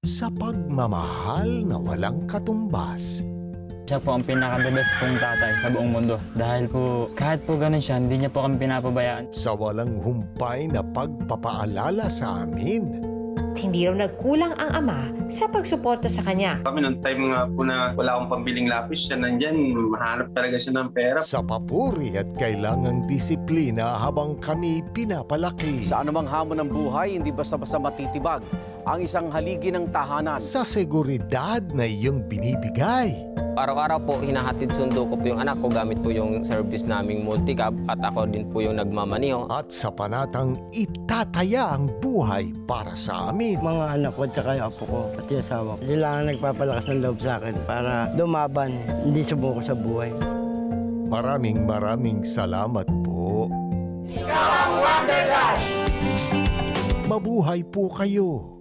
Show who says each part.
Speaker 1: sa pagmamahal na walang katumbas.
Speaker 2: Siya po ang pinaka-the best pong tatay sa buong mundo. Dahil po, kahit po ganun siya, hindi niya po kami pinapabayaan.
Speaker 1: Sa walang humpay na pagpapaalala sa amin.
Speaker 3: Hindi raw nagkulang ang ama sa pagsuporta sa kanya.
Speaker 4: Kami nung time nga po na wala akong pambiling lapis, siya nandyan, mahanap talaga siya ng pera.
Speaker 1: Sa papuri at kailangang disiplina habang kami pinapalaki.
Speaker 5: Sa anumang hamon ng buhay, hindi basta-basta matitibag ang isang haligi ng tahanan.
Speaker 1: Sa seguridad na iyong binibigay.
Speaker 6: Araw-araw po, hinahatid sundo ko po yung anak ko gamit po yung service naming multicab at ako din po yung nagmamaniho.
Speaker 1: At sa panatang itataya ang buhay para sa amin.
Speaker 7: Mga anak ko at saka yung apo ko at yung asawa ko. Sila ang nagpapalakas ng loob sa akin para lumaban, hindi sumuko sa buhay.
Speaker 1: Maraming salamat po. Mabuhay po kayo.